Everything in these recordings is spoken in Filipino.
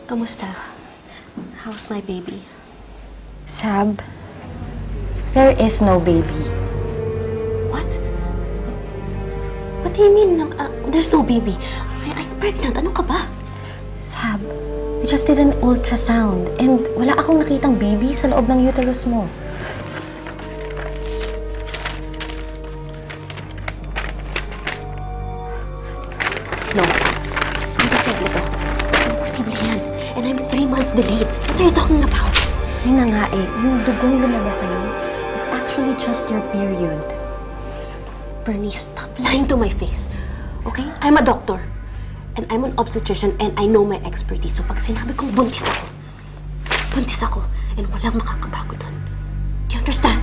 Kamusta? How's my baby? Sab, there is no baby. What? What do you mean? There's no baby? I'm pregnant. Ano ka ba? Sab, I just did an ultrasound and wala akong nakitang baby sa loob ng uterus mo. No. Imposible to. Imposible yan. And I'm 3 months delayed. What are you talking about? Yun na nga eh, yung dugong lumabas sa'yo, it's actually just your period. Bernice, stop lying to my face. Okay? I'm a doctor. And I'm an obstetrician and I know my expertise. So pag sinabi kong buntis ako. And walang makakabago dun. Do you understand?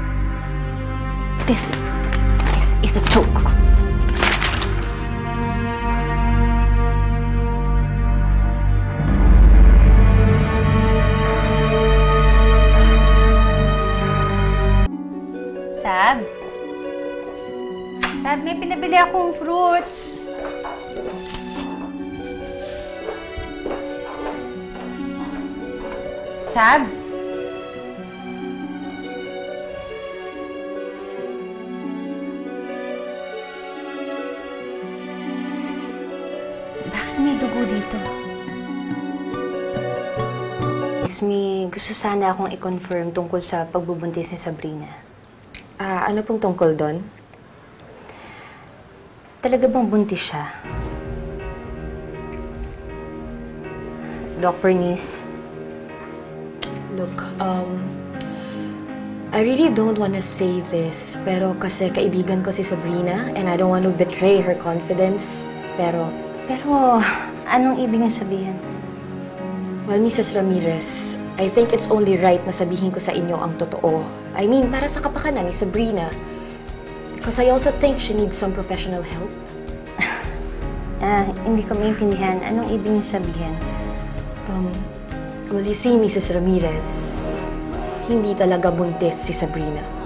This is a joke. Sab? Sab, may pinabili akong fruits. Sab? Bakit may dugo dito? Miss Me, gusto sana akong i-confirm tungkol sa pagbubuntis ni Sabrina. Ano pong tungkol doon? Talaga bang buntis siya? Doc Bernice? Look, I really don't want to say this, pero kasi kaibigan ko si Sabrina and I don't want to betray her confidence, pero Anong ibig niyo sabihin? well, Mrs. Ramirez, I think it's only right na sabihin ko sa inyo ang totoo. I mean, para sa kapakanan ni Sabrina. Because I also think she needs some professional help. Hindi ko maintindihan. Anong ibig niyo sabihin? Well, you see, Mrs. Ramirez, hindi talaga buntis si Sabrina.